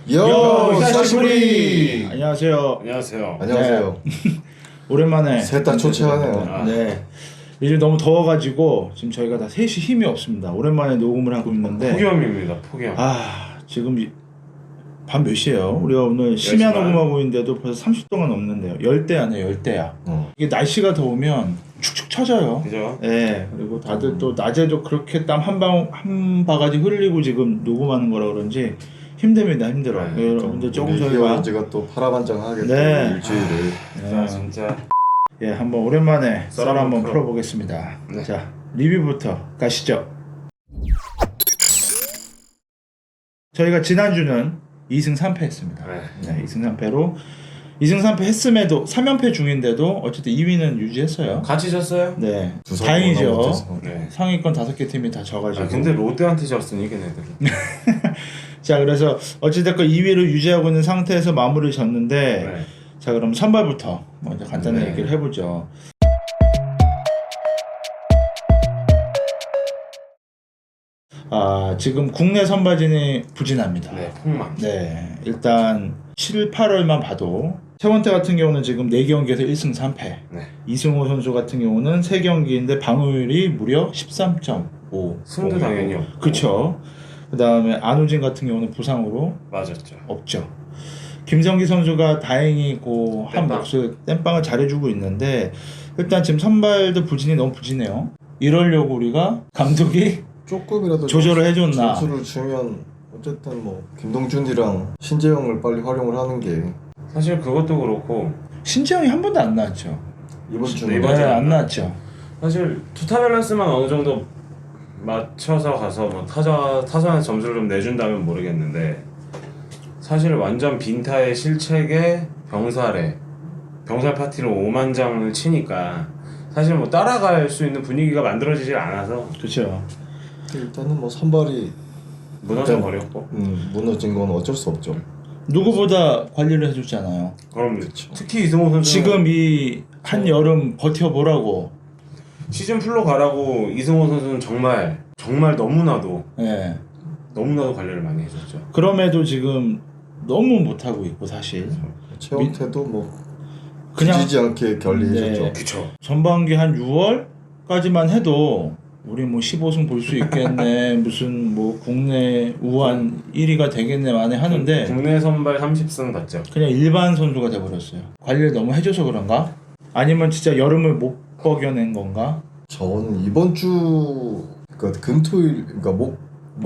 요 사시부리. 안녕하세요. 안녕하세요. 안녕하세요. 오랜만에 셋 다 초췌하네요. 네. 요즘 너무 더워가지고 지금 저희가 다 셋이 힘이 없습니다. 오랜만에 녹음을 하고 있는데 폭염입니다. 폭염. 지금 밤 몇 시예요? 우리가 오늘 심야 10시 반. 녹음하고 있는데도 벌써 30도가 넘는데요. 열대야네, 열대야. 이게 날씨가 더우면 축축 처져요. 그죠? 네. 그리고 다들 또 낮에도 그렇게 땀 한 바가지 흘리고 지금 녹음하는 거라 그런지 힘듭니다. 힘들어. 네, 여러분들 조금 우리 저희가 히어로즈가 또 파라반장하게 네. 또 일주일을 자, 진짜. 예, 한번 오랜만에 썰 썰 한번 한번 풀어보겠습니다. 네. 자, 리뷰부터 가시죠. 저희가 지난주는 2승 3패 했습니다. 네, 2승 3패로 2승 3패 했음에도 3연패 중인데도 어쨌든 2위는 유지했어요. 같이 졌어요? 네, 두 다행이죠. 번 못해서. 네. 상위권 5개 팀이 다 져가지고. 근데 롯데한테 졌으니 걔네들은. 자, 그래서 어찌됐건 2위를 유지하고 있는 상태에서 마무리 졌는데 네. 자, 그럼 선발부터 먼저 간단히 네. 얘기를 해보죠. 지금 국내 선발진이 부진합니다. 네, 폭망. 네, 일단 7, 8월만 봐도 최원태 같은 경우는 지금 4경기에서 1승 3패. 네. 이승호 선수 같은 경우는 3경기인데 방어율이 무려 13.5. 승도 당연히 없고. 그쵸. 그 다음에 안우진 같은 경우는 부상으로 맞았죠. 없죠. 김성기 선수가 다행히 한 땜빵. 몫을 땜빵을 잘해주고 있는데 일단 지금 선발도 부진이 너무 부진해요. 이러려고 우리가 감독이 조금이라도 조절을 해줬나. 점수를 주면 어쨌든 뭐 김동준이랑 신재영을 빨리 활용을 하는 게 사실 그것도 그렇고 신재영이 한 번도 안 나왔죠. 이번 네, 주는 이번 네, 안 안 나왔죠. 사실 투타 밸런스만 어느 정도 맞춰서 가서 뭐 타선에 점수를 좀 내준다면 모르겠는데 사실 완전 빈타의 실책에 병살 파티로 5만 장을 치니까 사실 뭐 따라갈 수 있는 분위기가 만들어지질 않아서 그렇죠. 일단은 뭐 선발이 무너져 버렸고. 무너진 건 어쩔 수 없죠. 누구보다 관리를 해줬잖아요. 그럼 특히 이승호 선수 지금 이 한여름 버텨보라고. 시즌 풀로 가라고 이승호 선수는 정말 너무나도 예. 관리를 많이 해줬죠. 그럼에도 지금 너무 못하고 있고 사실. 최원태도 뭐 그냥 지지 않게 결리해줬죠. 네. 그쵸. 전반기 한 6월까지만 해도 우리 뭐 15승 볼 수 있겠네 무슨 뭐 국내 우한 1위가 되겠네 만에 하는데 국내 선발 30승 받죠. 그냥 일반 선수가 돼버렸어요. 관리를 너무 해줘서 그런가? 아니면 진짜 여름을 못 버겨낸 건가? 저는 이번 주 그러니까 금토일 그러니까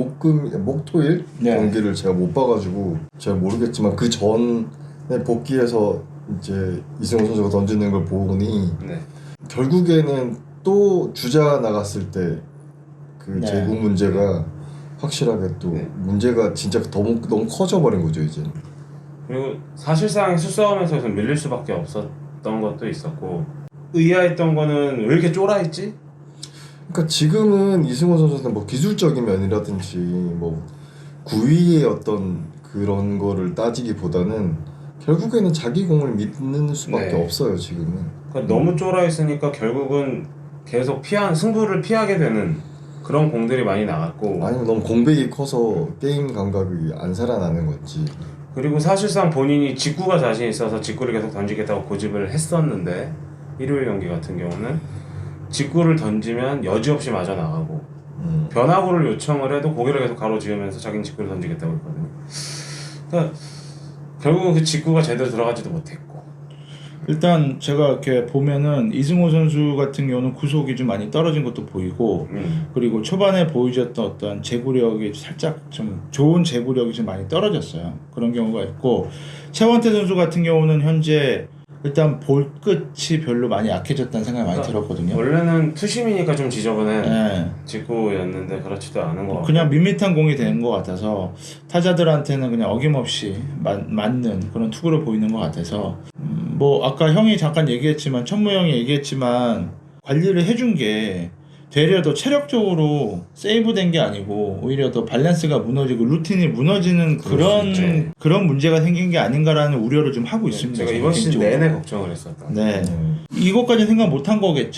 목토일 네. 경기를 제가 못 봐가지고 잘 모르겠지만 그 전에 복귀해서 이제 이승호 선수가 던지는 걸 보니 네. 결국에는 또 주자 나갔을 때 그 네. 제구 문제가 확실하게 또 네. 문제가 진짜 너무 커져버린 거죠 이제. 그리고 사실상 수싸움에서 밀릴 수밖에 없었던 것도 있었고 의아했던 거는 왜 이렇게 쫄아있지? 그러니까 지금은 이승호 선수는 뭐 기술적인 면이라든지 뭐 구위의 어떤 그런 거를 따지기보다는 결국에는 자기 공을 믿는 수밖에 네. 없어요 지금은. 그러니까 너무 쫄아있으니까 결국은 계속 승부를 피하게 되는 그런 공들이 많이 나갔고 아니면 너무 공백이 커서 게임 감각이 안 살아나는 건지. 그리고 사실상 본인이 직구가 자신 있어서 직구를 계속 던지겠다고 고집을 했었는데 일요일 경기 같은 경우는 직구를 던지면 여지없이 맞아 나가고 변화구를 요청을 해도 고개를 계속 가로지으면서 자기는 직구를 던지겠다고 했거든요. 그러니까 결국은 그 직구가 제대로 들어가지도 못했고 일단 제가 이렇게 보면은 이승호 선수 같은 경우는 구속이 좀 많이 떨어진 것도 보이고 그리고 초반에 보여줬던 어떤 제구력이 살짝 좀 좋은 제구력이 좀 많이 떨어졌어요. 그런 경우가 있고 최원태 선수 같은 경우는 현재 일단 볼 끝이 별로 많이 약해졌다는 생각이 많이 들었거든요. 원래는 투심이니까 좀 지저분한 네. 직구였는데 그렇지도 않은 것 같고 그냥 밋밋한 공이 되는 것 같아서 타자들한테는 그냥 어김없이 맞는 그런 투구를 보이는 것 같아서 뭐 아까 형이 잠깐 얘기했지만 천무 형이 얘기했지만 관리를 해준 게 되려 더 체력적으로 세이브된 게 아니고 오히려 더 밸런스가 무너지고 루틴이 무너지는 그런 문제가 생긴 게 아닌가라는 우려를 좀 하고 있습니다. 제가 이번 시즌 내내 걱정을 했었다. 네. 이것까지 생각 못한 거겠죠?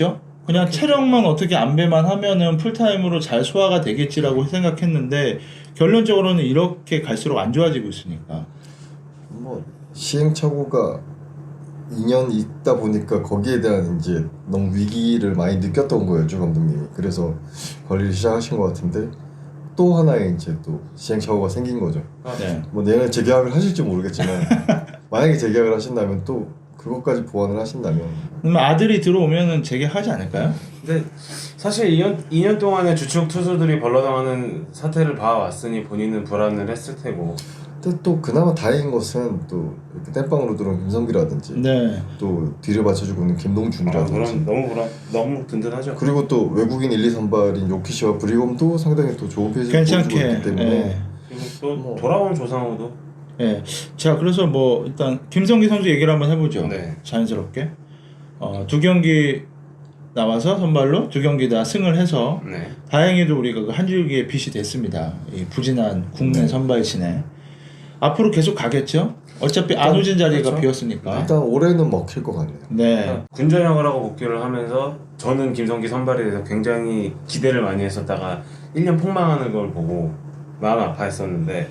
그냥 체력만 어떻게 안배만 하면은 풀타임으로 잘 소화가 되겠지라고 생각했는데 결론적으로는 이렇게 갈수록 안 좋아지고 있으니까. 뭐 시행착오가 2년 있다 보니까 거기에 대한 이제 너무 위기를 많이 느꼈던 거예요, 주 감독님이. 그래서 관리를 시작하신 것 같은데 또 하나의 이제 또 시행착오가 생긴 거죠. 네. 뭐 내년에 재계약을 하실지 모르겠지만 만약에 재계약을 하신다면 또 그것까지 보완을 하신다면 그러면 아들이 들어오면은 재개하지 않을까요? 근데 사실 2년 동안에 주축 투수들이 벌러당하는 사태를 봐왔으니 본인은 불안을 했을 테고. 근데 또 그나마 다행인 것은 또 이렇게 땜빵으로 들어온 김성기라든지 네. 또 뒤를 받쳐주고 있는 김동준이라든지 그럼 너무 든든하죠. 그리고 또 외국인 1, 2 선발인 요키시와 브리검도 상당히 또 좋은 페이스를 보여주고 괜찮게. 있기 때문에 예. 그리고 또 뭐. 돌아온 조상우도. 예. 자, 그래서 뭐 일단 김성기 선수 얘기를 한번 해보죠. 네. 자연스럽게. 두 경기 나와서 선발로 두 경기 다 승을 해서 네. 다행히도 우리가 그 한 줄기의 빛이 됐습니다. 이 부진한 국내 네. 선발진에 앞으로 계속 가겠죠. 어차피 안우진 자리가 그렇죠. 비었으니까. 일단 올해는 먹힐 것 같네요. 네. 군전역을 하고 복귀를 하면서 저는 김성기 선발에 대해서 굉장히 기대를 많이 했었다가 1년 폭망하는 걸 보고 마음 아파했었는데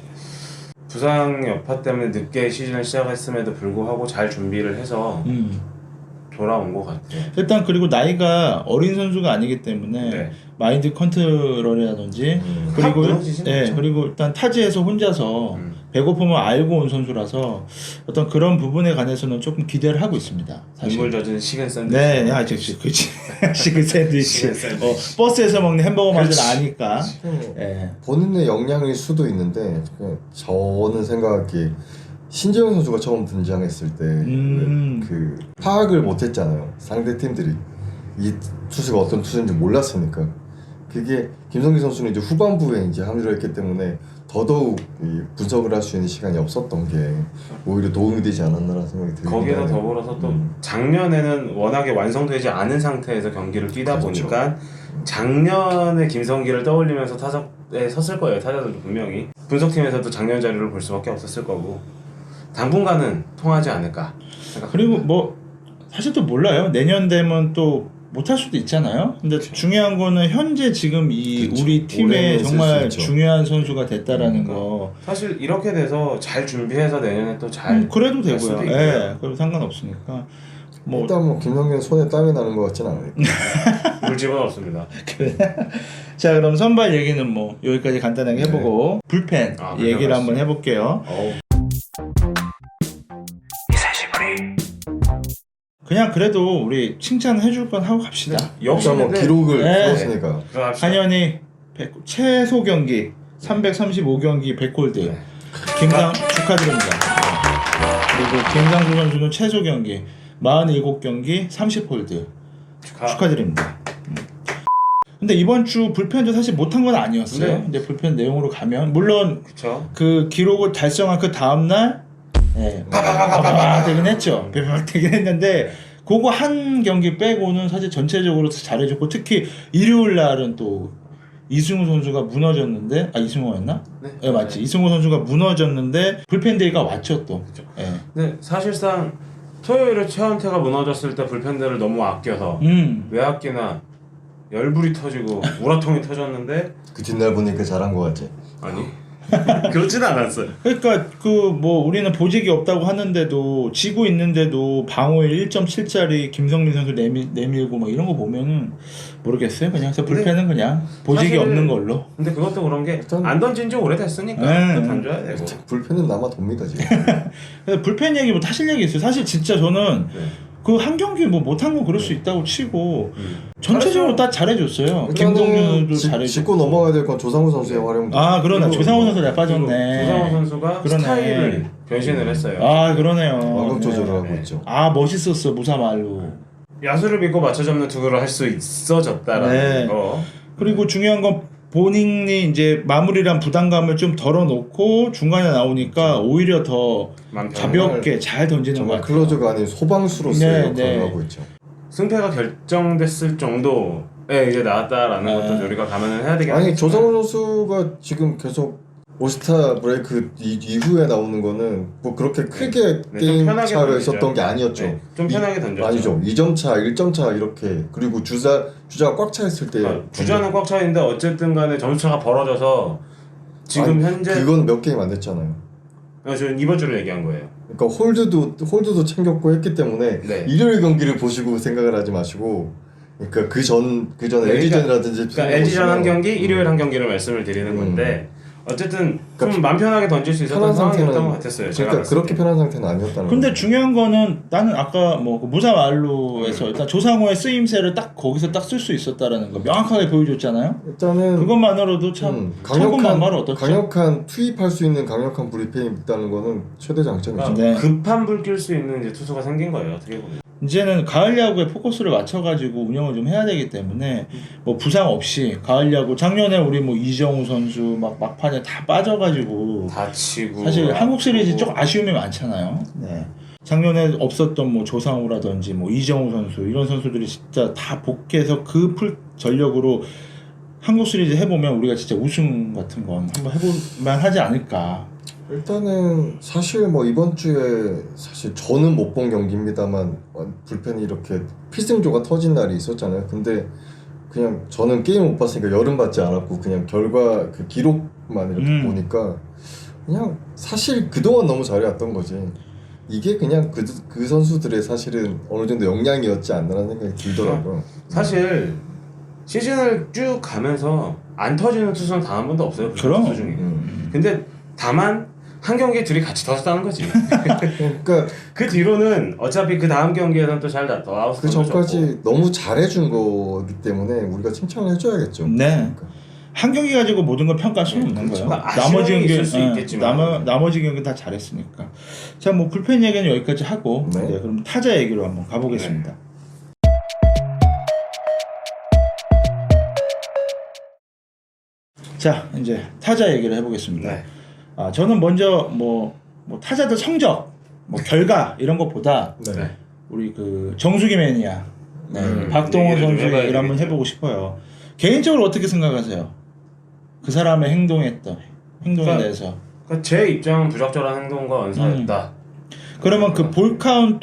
부상 여파 때문에 늦게 시즌을 시작했음에도 불구하고 잘 준비를 해서 돌아온 것 같아요. 일단 그리고 나이가 어린 선수가 아니기 때문에 네. 마인드 컨트롤이라든지 그리고 확 무너지진 예, 않죠. 그리고 일단 타지에서 혼자서 배고픔을 알고 온 선수라서 어떤 그런 부분에 관해서는 조금 기대를 하고 있습니다. 사실. 눈물 젖은 식은 샌드위치. 네, 아, 그렇지. 시그 샌드위치. 시그 샌드위치. 버스에서 먹는 햄버거 맛을 그렇지. 아니까. 예. 본인의 역량일 수도 있는데 그냥 저는 생각하기에 신재영 선수가 처음 등장했을 때 그 파악을 못했잖아요. 상대 팀들이 이 투수가 어떤 투수인지 몰랐으니까. 그게 김성기 선수는 이제 후반부에 이제 합류를 했기 때문에 더더욱 이 분석을 할 수 있는 시간이 없었던 게 오히려 도움이 되지 않았나라는 생각이 들긴 거기에다 하네요. 더불어서 또 작년에는 워낙에 완성되지 않은 상태에서 경기를 뛰다 그렇죠. 보니까 작년에 김성기를 떠올리면서 타석에 섰을 거예요. 타자들도 분명히 분석팀에서도 작년 자료를 볼 수밖에 없었을 거고 당분간은 통하지 않을까 생각합니다. 그리고 뭐 사실 또 몰라요. 내년 되면 또 못할 수도 있잖아요. 근데 중요한 거는 현재 지금 이 그렇죠. 우리 팀에 올해는 정말 쓸수 있죠. 중요한 선수가 됐다라는 거. 사실 이렇게 돼서 잘 준비해서 내년에 또 잘 그래도 할 수도 되고요. 있고요. 예, 그럼 상관없으니까. 뭐 일단 뭐 김성기는 손에 땀이 나는 것 같진 않아요. 물집은 없습니다. 자, 그럼 선발 얘기는 뭐 여기까지 간단하게 해보고 불펜 얘기를 가시죠. 한번 해볼게요. 그냥 그래도 우리 칭찬해줄 건 하고 갑시다. 역시 일단 뭐 근데 기록을 네. 세웠으니까 들어갑시다. 한현이 최소 경기 335경기 100홀드. 네. 김상 축하드립니다. 그리고 김상수 선수는 최소 경기 47경기 30홀드 축하드립니다. 근데 이번 주 불펜도 사실 못한 건 아니었어요. 네. 근데 불펜 내용으로 가면 물론 그쵸. 그 기록을 달성한 그 다음 날 파파파파파 되긴 했죠. 파파파 되긴 했는데 그거 한 경기 빼고는 사실 전체적으로 잘해줬고 특히 일요일 날은 또 이승우 선수가 무너졌는데 이승우였나? 네, 맞지. 이승우 선수가 무너졌는데 불펜데이가 왔죠 또. 그쵸. 예. 근데 사실상 토요일에 최원태가 무너졌을 때 불펜들을 너무 아껴서 왜 아끼나 열불이 터지고 우라통이 터졌는데 그 뒷날 보니까 잘한 것 같지. 아니 그렇진 않았어요. 그러니까 그 뭐 우리는 보직이 없다고 하는데도 지고 있는데도 방어율 1.7짜리 김성민 선수 내밀고 막 이런 거 보면은 모르겠어요. 그냥 불펜은 그냥 보직이 사실- 없는 걸로. 근데 그것도 그런 게 일단- 안 던진 지 오래됐으니까 네. 또 던져야 되고. 불펜은 남아 돕니다 지금. 그래서 불펜 얘기 뭐 타실 얘기 있어요. 사실 진짜 저는 네. 그 한 경기 뭐 못한 거 그럴 수 있다고 치고 전체적으로 다 잘해줬어요. 김동준도 잘해줬고. 짚고 넘어가야 될 건 조상우 선수의 활용도. 그러나 그리고 조상우 선수 잘 빠졌네. 조상우 선수가 그러네. 스타일을 변신을 했어요. 그러네요. 완급 조절을 네. 하고 있죠. 멋있었어 무사말로. 야수를 믿고 맞춰 잡는 투구를 할 수 있어졌다라는 네. 거. 그리고 중요한 건 본인이 이제 마무리란 부담감을 좀 덜어놓고 중간에 나오니까 오히려 더 마음 편해. 가볍게 잘 던지는 것 정말 같아요. 클로저가 아닌 소방수로서의 네, 역할을 네. 하고 있죠. 승패가 결정됐을 정도에 이제 나왔다라는 것도 우리가 감안을 해야 되겠네요. 아니 조상우 선수가 지금 계속 올스타 브레이크 이후에 나오는 거는 뭐 그렇게 크게 네, 게임 좀 편하게 차가 던지죠. 있었던 게 아니었죠. 네, 좀 편하게 던졌죠. 아니죠. 2점 차, 1점 차 이렇게 그리고 주자가 꽉 차 있을 때 주자는 꽉 차 있는데 어쨌든 간에 점수차가 벌어져서 지금 아니, 현재 그건 몇 게임 안 됐잖아요. 저는 이번 주를 얘기한 거예요. 그러니까 홀드도 챙겼고 했기 때문에 네. 일요일 경기를 보시고 생각을 하지 마시고 그러니까 그전 LG전이라든지 그러니까 LG전 한 경기, 일요일 한 경기를 말씀을 드리는 건데 어쨌든 좀 맘 편하게 던질 수 있었던 상황이었던 것 같았어요. 제가 그러니까 그렇게 편한 상태는 아니었다는 근데 거예요. 중요한 거는 나는 아까 뭐 무사 말루에서 일단 조상호의 쓰임새를 딱 거기서 딱 쓸 수 있었다라는 거 명확하게 보여줬잖아요. 일단은 그것만으로도 참 천군만마를 얻었죠. 강력한 투입할 수 있는 강력한 브리핑이 있다는 거는 최대 장점이죠. 그러니까 네. 급한 불 낄 수 있는 이제 투수가 생긴 거예요. 어떻게 보면. 이제는 가을 야구에 포커스를 맞춰가지고 운영을 좀 해야 되기 때문에 뭐 부상 없이 가을 야구 작년에 우리 뭐 이정우 선수 막 막판에 다 빠져가지고 다치고 사실 한국 시리즈 좀 아쉬움이 많잖아요. 네. 작년에 없었던 뭐 조상우라든지 뭐 이정우 선수 이런 선수들이 진짜 다 복귀해서 그 풀 전력으로 한국 시리즈 해보면 우리가 진짜 우승 같은 건 한번 해볼만 하지 않을까. 일단은 사실 뭐 이번 주에 사실 저는 못 본 경기입니다만 불펜이 이렇게 필승조가 터진 날이 있었잖아요. 근데 그냥 저는 게임 못 봤으니까 열은 받지 않았고 그냥 결과 그 기록만 이렇게 보니까 그냥 사실 그동안 너무 잘해왔던 거지. 이게 그냥 그 선수들의 사실은 어느 정도 역량이었지 않나라는 생각이 들더라고요. 사실 시즌을 쭉 가면서 안 터지는 투수는 단 한 번도 없어요. 그 그럼. 투수 중에. 근데 다만 한 경기에 둘이 같이 터졌다는 거지. 그러니까 그 뒤로는 어차피 그 다음 경기에는 또 잘 더 아웃. 그 전까지 너무 잘해준 거기 때문에 우리가 칭찬을 해줘야겠죠. 네. 그러니까. 한 경기 가지고 모든 걸 평가할 수는 없는 그렇죠. 거예요. 그러니까 아쉬움이 있을 수 있겠지만. 나머지 경기는 다 잘했으니까. 자, 뭐 불펜 얘기는 여기까지 하고 네. 네, 그럼 타자 얘기로 한번 가보겠습니다. 자, 이제 타자 얘기를 해보겠습니다. 네. 아, 저는 먼저 뭐 타자들 성적, 뭐 결과 이런 것보다 네. 우리 그 정수기 매니아, 네, 박동원 얘기를 좀 선수 해봐야 얘기를 한번 되겠죠. 해보고 싶어요. 개인적으로 어떻게 생각하세요? 그 사람의 행동에 그러니까 대해서. 그러니까 제 입장은 부적절한 행동과 언사였다. 그러면 그 볼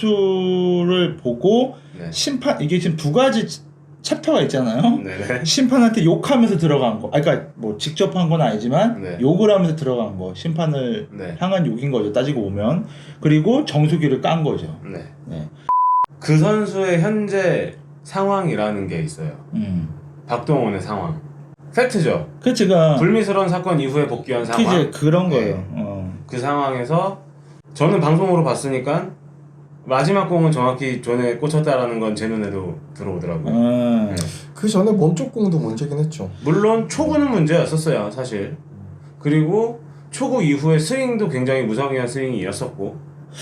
카운트를 보고 네. 심판 이게 지금 두 가지 챕터가 있잖아요. 네네. 심판한테 욕하면서 들어간 거. 아, 그러니까 뭐 직접 한 건 아니지만 네. 욕을 하면서 들어간 거. 심판을 네. 향한 욕인 거죠. 따지고 보면. 그리고 정수기를 깐 거죠. 네. 네. 그 선수의 현재 상황이라는 게 있어요. 박동원의 상황. 팩트죠. 그 제가 불미스러운 사건 이후에 복귀한 상황. 이제 그런 네. 거예요. 그 상황에서 저는 방송으로 봤으니까 마지막 공은 정확히 존에 꽂혔다라는 건 제 눈에도 들어오더라고요. 네. 그 전에 몸쪽 공도 문제긴 했죠. 물론 초구는 문제였었어요, 사실. 그리고 초구 이후에 스윙도 굉장히 무성의한 스윙이었었고.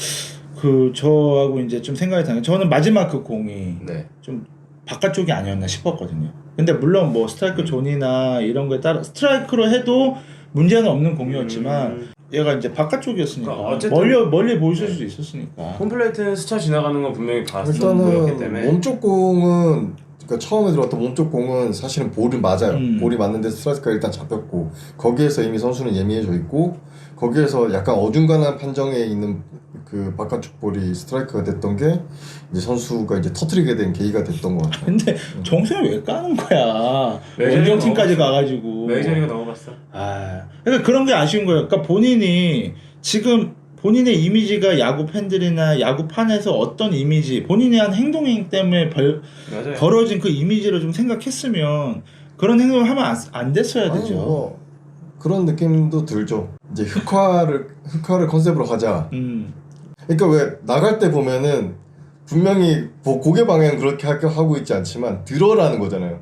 그 저하고 이제 좀 생각이 다른 게 저는 마지막 그 공이 네. 좀 바깥쪽이 아니었나 싶었거든요. 근데 물론 뭐 스트라이크 존이나 이런 거에 따라 스트라이크로 해도 문제는 없는 공이었지만 얘가 이제 바깥쪽이었으니까 그러니까 어쨌든 멀리 보였을 수도 있었으니까. 홈플레이트는 스쳐 지나가는 건 분명히 봤었기 때문에. 일단은 몸쪽 공은 그러니까 처음에 들어왔던 몸쪽 공은 사실은 볼이 맞아요. 볼이 맞는데 스트라이크가 일단 잡혔고 거기에서 이미 선수는 예민해져 있고 거기에서 약간 어중간한 판정에 있는 그 바깥쪽 볼이 스트라이크가 됐던 게 이제 선수가 이제 터트리게 된 계기가 됐던 것 같아요. 근데 정수를 왜 까는 거야? 메이저리그 원정팀까지 넘어갔어. 가가지고. 메이저리그 넘어갔어. 아, 그러니까 그런 게 아쉬운 거예요. 그러니까 본인이 지금 본인의 이미지가 야구 팬들이나 야구판에서 어떤 이미지, 본인이 한 행동 때문에 맞아요. 벌어진 그 이미지를 좀 생각했으면 그런 행동을 하면 안 됐어야 아니, 되죠. 뭐 그런 느낌도 들죠. 이제 흑화를 컨셉으로 가자. 그러니까 왜 나갈 때 보면은 분명히 뭐 고개 방향 그렇게 하고 있지 않지만 들어라는 거잖아요.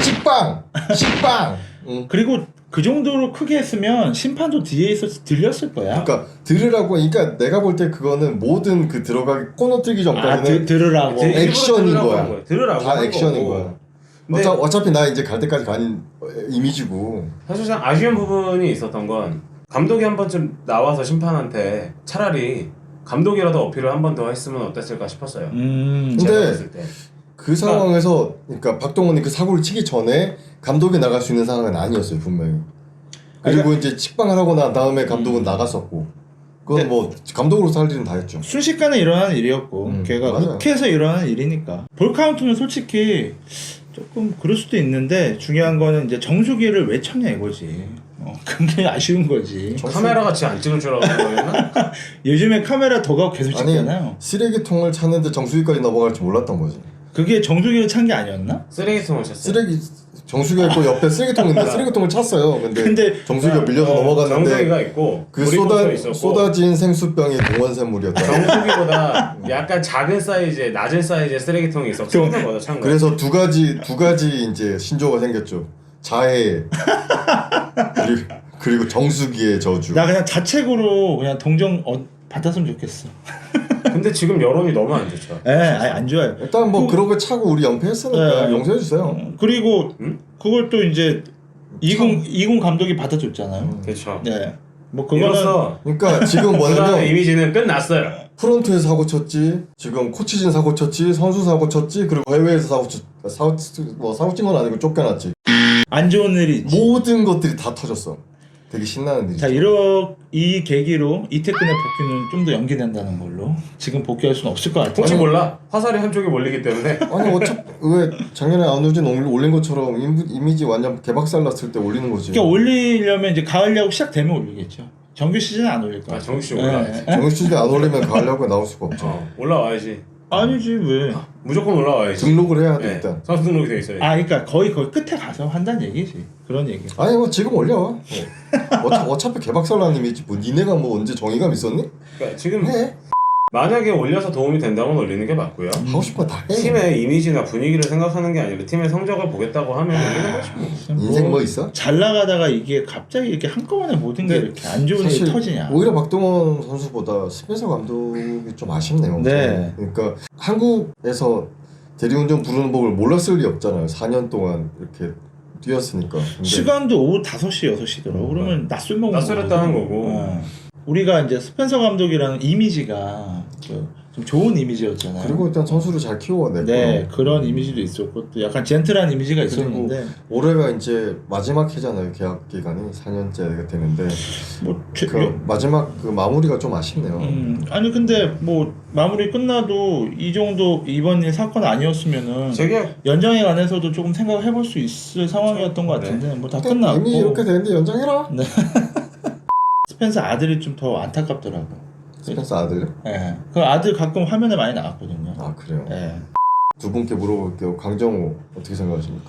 식빵. 응. 그리고 그 정도로 크게 했으면 심판도 뒤에 있어서 들렸을 거야. 그러니까 들으라고. 그러니까 내가 볼 때 그거는 모든 그 들어가기 코너 뜨기 전까지는 들으라고. 액션인 거야. 들으라고 다 하는 액션인 거고. 거야. 근데 어차피 나 이제 갈 때까지 간 이미지고. 사실상 아쉬운 부분이 있었던 건 감독이 한 번쯤 나와서 심판한테 차라리 감독이라도 어필을 한 번 더 했으면 어땠을까 싶었어요. 근데 제가 봤을 때. 그 상황에서 그러니까 박동원이 그 사고를 치기 전에 감독이 나갈 수 있는 상황은 아니었어요, 분명히. 그리고 이제 식방을 하고 난 다음에 감독은 나갔었고 그건 뭐 감독으로서 할 일은 다 했죠. 순식간에 일어나는 일이었고 걔가 맞아요. 욱해서 일어나는 일이니까 볼 카운트는 솔직히 조금 그럴 수도 있는데 중요한 거는 이제 정수기를 왜 쳤냐 이거지. 그게 아쉬운 거지. 카메라 같이 안 찍을 줄 알았는 거였나? 요즘에 카메라 더 가고 계속 찍잖아요. 아니 쓰레기통을 찾는데 정수기까지 넘어갈 줄 몰랐던 거지. 그게 정수기를 찬 게 아니었나? 쓰레기통을 쳤어요. 쓰레기 정수기가 있고 옆에 쓰레기통인데 쓰레기통을 찼어요. 근데 정수기가 밀려서 넘어갔는데 정수기가 있고 그 보리봉투 있었고 쏟아진 생수병이 동원샘물이었다. 정수기보다 약간 작은 사이즈의 낮은 사이즈의 쓰레기통이 있어. 큰 거다 찬 거. 그래서 두 가지 이제 신조가 생겼죠. 자해 그리고 정수기의 저주. 나 그냥 자책으로 그냥 동정 받았으면 좋겠어. 근데 지금 여론이 너무 안 좋죠. 아니 안 좋아요. 일단 뭐 그러고 차고 우리 연패했으니까 네. 용서해 주세요. 그리고 그걸 또 이제 이군 감독이 받아줬잖아요. 그렇죠. 네. 뭐 그거는 이로써 그러니까 지금 구단의 뭐냐면 이미지는 끝났어요. 프론트에서 사고 쳤지, 지금 코치진 사고 쳤지, 선수 사고 쳤지, 그리고 해외에서 사고 친 건 아니고 쫓겨났지. 안 좋은 일이 있지. 모든 것들이 다 터졌어. 되게 신나는 일이죠. 자, 이 계기로 이태근의 복귀는 좀 더 연기된다는 걸로 지금 복귀할 수는 없을 것 같아요. 혹시 몰라? 화살이 한쪽에 몰리기 때문에. 아니 어차피 왜 작년에 안우진 올린 것처럼 이미지 완전 개박살 났을 때 올리는 거지. 그러니까 올리려면 이제 가을 야구 시작되면 올리겠죠. 정규 시즌은 안 올릴 거야. 정규 시즌 올라와야지. 정규 시즌 안 올리면 가을 야구에 나올 수가 없죠. 올라와야지. 아니지 왜? 무조건 올라와야지. 등록을 해야 돼 네, 일단. 선수 등록이 돼 있어요. 그러니까 거의 끝에 가서 한다는 얘기지. 그런 얘기. 아니 뭐 지금 올려. 어차피 개박살 난 이미지 뭐 니네가 뭐 언제 정의감 있었니? 그러니까 지금 해. 만약에 올려서 도움이 된다면 올리는 게 맞고요. 하고 싶어 다 해. 팀의 이미지나 분위기를 생각하는 게 아니라 팀의 성적을 보겠다고 하면 올리는 거지. 인생 뭐 있어? 잘 나가다가 이게 갑자기 이렇게 한꺼번에 모든 게 이렇게 안 좋은 일이 사실 터지냐. 오히려 박동원 선수보다 스펜서 감독이 좀 아쉽네요. 네. 그러니까 한국에서 대리운전 부르는 법을 몰랐을 리 없잖아요. 4년 동안 이렇게 뛰었으니까. 근데 시간도 오후 5시, 6시더라고. 그러면 낮술 먹는 낯설었다는 거거든. 거고. 우리가 이제 스펜서 감독이라는 이미지가 좀 좋은 이미지였잖아요. 그리고 일단 선수를 잘 키워냈고. 네, 그런 이미지도 있었고 또 약간 젠틀한 이미지가 있었는데 올해가 이제 마지막 해잖아요. 계약 기간이 4년째가 되는데 뭐 마지막 그 마무리가 좀 아쉽네요. 아니 근데 뭐 마무리 끝나도 이 정도 이번 일 사건 아니었으면은 재계약 연장에 관해서도 조금 생각을 해볼 수 있을 상황이었던 것 같은데 뭐 다 끝났고 이미 이렇게 되는데 연장해라. 네. 스펜서 아들이 좀 더 안타깝더라고. 스펜서 아들요? 네. 그 아들 가끔 화면에 많이 나왔거든요. 아 그래요? 네. 두 분께 물어볼게요. 강정호 어떻게 생각하십니까?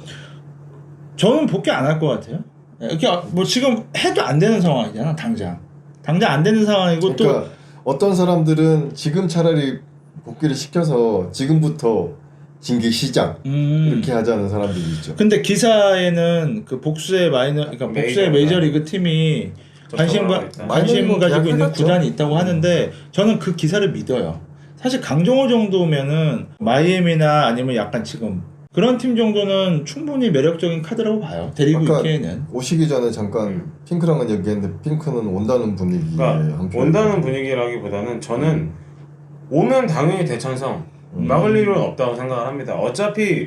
저는 복귀 안 할 것 같아요. 이렇게 뭐 지금 해도 안 되는 상황이잖아. 당장 안 되는 상황이고 그러니까 어떤 사람들은 지금 차라리 복귀를 시켜서 지금부터 징계 시작 이렇게 하자는 사람들이 있죠. 근데 기사에는 그 복수의 그러니까 복수의 메이저리그 팀이 관심 가지고 있는 계약해갔죠. 구단이 있다고 하는데 저는 그 기사를 믿어요. 사실 강정호 정도면은 마이애미나 아니면 약간 지금 그런 팀 정도는 충분히 매력적인 카드라고 봐요. 데리고 있기에는. 오시기 전에 잠깐 핑크랑은 얘기했는데 핑크는 온다는 분위기에 그러니까 한편 온다는 분위기라기보다는 저는 오면 당연히 대찬성 막을 일은 없다고 생각을 합니다. 어차피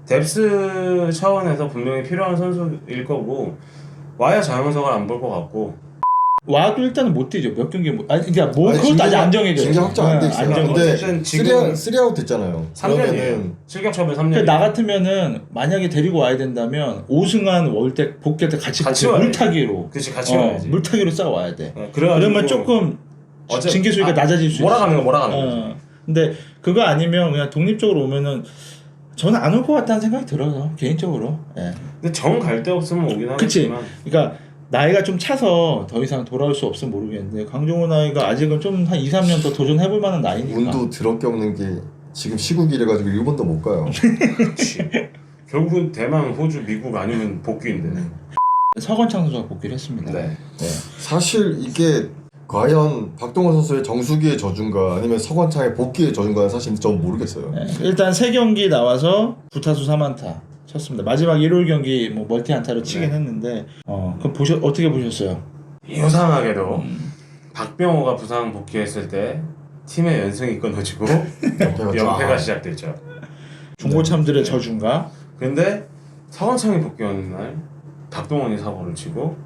뎁스 차원에서 분명히 필요한 선수일 거고 와야 자연석을 안 볼 것 같고 와도 일단은 못 뛰죠. 몇 경기 못. 그러니까 뭐 그것도 아직 안 정해져. 징계 확정 안 돼 있어요. 근데 어쨌든 지금 3아웃 됐잖아요. 3년이에요. 실격 처분 3년. 나 같으면은 만약에 데리고 와야 된다면 오승환 월때 복귀할 때 같이 와야지. 물타기로. 그렇지 같이 와야지. 물타기로 싸워야 돼. 그래가지고 그러면 조금 징계 수위가 낮아질 수 있어. 몰아가는 거지. 근데 그거 아니면 그냥 독립적으로 오면은 저는 안 올 것 같다는 생각이 들어요. 개인적으로. 예. 근데 정 갈 데 없으면 오긴 그치. 하겠지만. 그러니까 나이가 좀 차서 더 이상 돌아올 수 없으면 모르겠는데 강정호 나이가 아직은 좀 한 2, 3년 더 도전해볼 만한 나이니까. 운도 더럽게 없는 게 지금 시국이래 가지고 일본도 못 가요. 그치. 결국은 대만, 호주, 미국 아니면 복귀인데. 서건창 선수가 복귀를 했습니다. 네. 사실 이게 과연 박동원 선수의 정수기의 저준가 아니면 서건창의 복귀의 저준가는 사실 전 모르겠어요. 네. 일단 3경기 나와서 9타수 3안타 쳤습니다. 마지막 일요일 경기 뭐 멀티 안타로 치긴 했는데 그럼 어떻게 보셨어요? 유상하게도 박병호가 부상 복귀했을 때 팀의 연승이 끊어지고 연패가 시작됐죠. 중고참들의 저준가? 근데 서건창이 복귀하는 날 박동원이 사고를 치고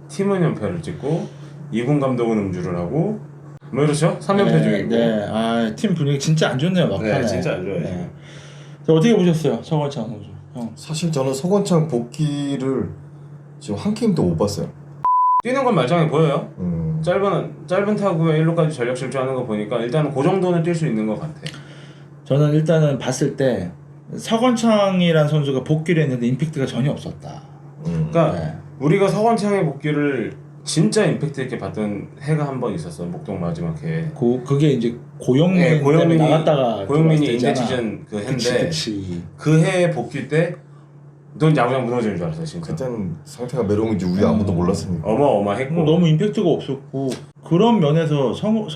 팀은 연패를 찍고 이군 감독은 음주를 하고 뭐 이렇죠? 3연패 중이고. 네. 아, 팀 분위기 진짜 안 좋네요, 막판에. 네, 진짜 안 좋아요. 네. 자, 어떻게 보셨어요, 서건창 선수? 형. 사실 저는 서건창 복귀를 지금 한 게임도 못 봤어요. 뛰는 건 말짱해 보여요. 음. 짧은 타구에 1루까지 전력 질주하는 거 보니까 일단은 그 정도는 뛸 수 있는 것 같아. 저는 일단은 봤을 때 서건창이란 선수가 복귀를 했는데 임팩트가 전혀 없었다. 그러니까 네. 우리가 서건창의 복귀를 진짜 임팩트 있게 봤던 해가 한 번 있었어. 목동 마지막 해. 그게 이제 고영민 네, 때문에 나갔다가 고영민이 들어왔을 때잖아. 인대치전 그 해인데 그치. 그 해 복귀 때 넌 야구장 무너지는 줄 알았어 진짜. 그때는 상태가 메롱인지 우리 아무도 몰랐으니까. 어마어마했고. 너무 임팩트가 없었고 그런 면에서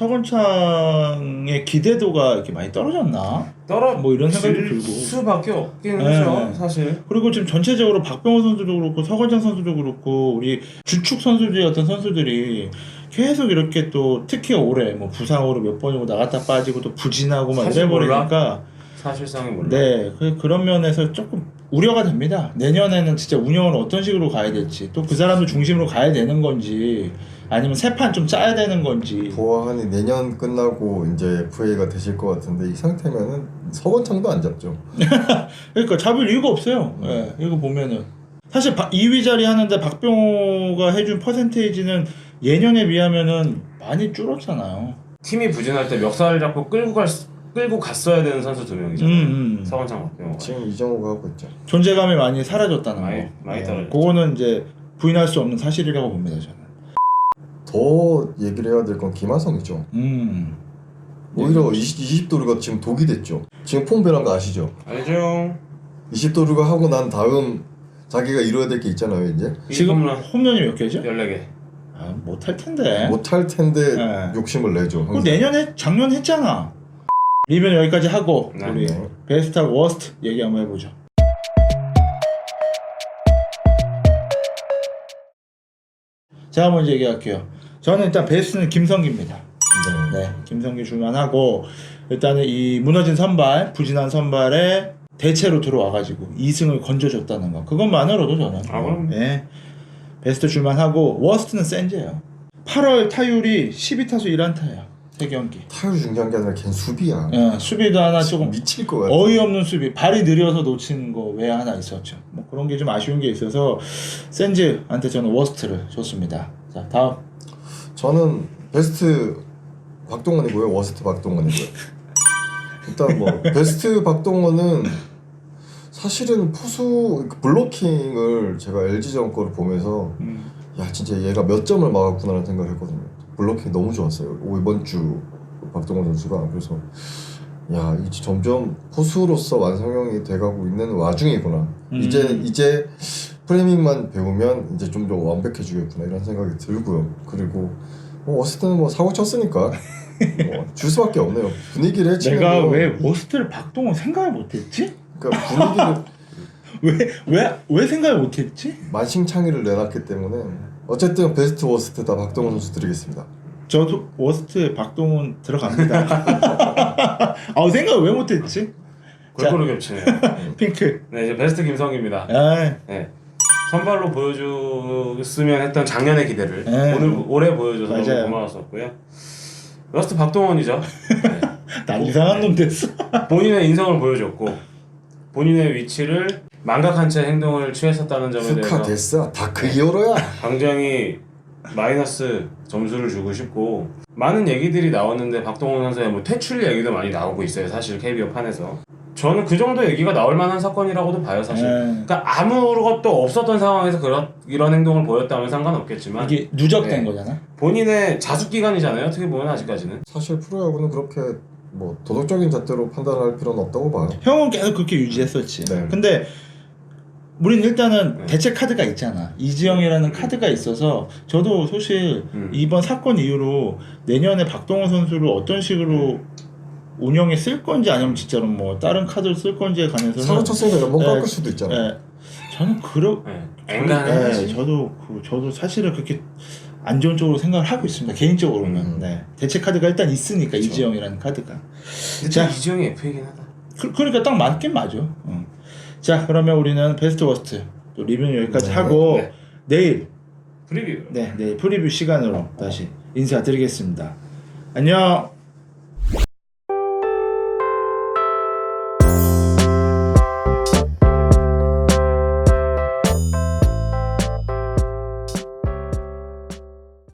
서건창의 기대도가 이렇게 많이 떨어졌나? 뭐 이런 생각도 들고. 수밖에 없긴 네. 하죠 사실. 그리고 지금 전체적으로 박병호 선수도 그렇고 서건창 선수도 그렇고 우리 주축 선수들 같은 선수들이 계속 이렇게 또 특히 올해 뭐 부상으로 몇 번이고 나갔다 빠지고 또 부진하고 막 사실 이래버리니까 사실상이 몰라. 네, 그런 면에서 조금 우려가 됩니다. 내년에는 진짜 운영을 어떤 식으로 가야 될지 또 그 사람들 중심으로 가야 되는 건지 아니면 새 판 좀 짜야 되는 건지. 보아하니 내년 끝나고 이제 FA가 되실 것 같은데 이 상태면은 서건창도 안 잡죠. 그러니까 잡을 이유가 없어요. 네, 이거 보면은 사실 2위 자리 하는데 박병호가 해준 퍼센테이지는 예년에 비하면은 많이 줄었잖아요. 팀이 부진할 때 멱살 잡고 끌고 갔어야 되는 선수 두 명이잖아요. 서건창 박병호가. 지금 이정우가 하고 있죠. 존재감이 많이 사라졌다는 거. 많이 떨어졌죠. 그거는 이제 부인할 수 없는 사실이라고 봅니다, 저는. 더 얘기를 해야 될 건 김하성이죠. 오히려 20도루가 지금 독이 됐죠. 지금 폼 변한 거 아시죠? 알죠. 20도루가 하고 난 다음 자기가 이뤄야 될 게 있잖아요 이제. 지금 홈런이 몇 개죠? 14개. 아, 못할 텐데. 못할 텐데 네. 욕심을 내죠. 그 내년에 작년 했잖아. 리뷰는 여기까지 하고 네. 우리 네. 베스트와 워스트 얘기 한번 해보죠. 제가 먼저 얘기할게요. 저는 일단 베스트는 김성기입니다. 네, 김성기 줄만하고 일단은 이 무너진 선발, 부진한 선발에 대체로 들어와가지고 2승을 건져줬다는 거 그것만으로도 저는 그럼. 네, 베스트 줄만하고 워스트는 센제예요. 8월 타율이 12타수 1안타예요. 3경기. 타율 중요한 게 아니라 걔는 수비야. 수비도 하나 조금 미칠 것 같아. 어이없는 수비, 발이 느려서 놓친 거 외에 하나 있었죠. 뭐 그런 게 좀 아쉬운 게 있어서 센즈한테 저는 워스트를 줬습니다. 자, 다음. 저는 베스트 박동원이고요. 워스트 박동원이고요. 일단 뭐 베스트 박동원은 사실은 포수 블로킹을 제가 LG전 거를 보면서 야 진짜 얘가 몇 점을 막았구나라는 생각을 했거든요. 블로킹이 너무 좋았어요. 이번 주 박동원 선수가. 그래서 야 이제 점점 포수로서 완성형이 돼가고 있는 와중이구나. 이제 프레밍만 배우면 이제 좀 더 완벽해지겠구나 이런 생각이 들고요. 그리고 워스트는 뭐 사고 쳤으니까 줄 수밖에 없네요. 분위기를 해치는 내가 거. 왜 워스트를 박동원 생각을 못했지? 그러니까 분위기를 왜 생각을 못했지? 만신창이를 내놨기 때문에 어쨌든 베스트 워스트 다 박동원 선수 드리겠습니다. 저도 워스트에 박동원 들어갑니다. 생각을 왜 못했지? 골고루 겹치네요. 핑크. 네, 이제 베스트 김성기입니다. 네. 선발로 보여줬으면 했던 작년의 기대를 네. 올해 보여줘서 맞아요. 너무 고마웠었고요. 워스트 박동원이죠. 네. 난 이상한 놈 됐어. 본인의 인성을 보여줬고 본인의 위치를 망각한 채 행동을 취했었다는 점에 후카 대해서 됐어. 다 그 이후로야. 굉장히 마이너스 점수를 주고 싶고 많은 얘기들이 나왔는데 박동원 선수의 뭐 퇴출 얘기도 많이 나오고 있어요. 사실 KBO 판에서 저는 그 정도 얘기가 나올 만한 사건이라고도 봐요. 사실 그러니까 아무것도 없었던 상황에서 이런 행동을 보였다면 상관없겠지만 이게 누적된 네. 거잖아. 본인의 자숙 기간이잖아요. 어떻게 보면 아직까지는 사실 프로야구는 그렇게 뭐 도덕적인 잣대로 판단할 필요는 없다고 봐요. 형은 계속 그렇게 유지했었지. 네. 근데 우린 일단은 대체 카드가 있잖아. 이지영이라는 카드가 있어서 저도 사실 이번 사건 이후로 내년에 박동원 선수를 어떤 식으로 운영에 쓸 건지 아니면 진짜로 뭐 다른 카드를 쓸 건지에 관해서는 사고 쳤으니까 연봉 깎을 수도 있잖아요. 저는 앵간해. 저도 사실은 그렇게 안 좋은 쪽으로 생각을 하고 있습니다. 개인적으로는. 네. 대체 카드가 일단 있으니까 그렇죠. 이지영이라는 카드가. 자, 이지영이 F이긴 하다. 그러니까 딱 맞긴 맞아. 자, 그러면 우리는 베스트 워스트 또 리뷰는 여기까지 하고 네. 내일 프리뷰. 네, 내일 프리뷰 시간으로 다시 인사드리겠습니다. 안녕.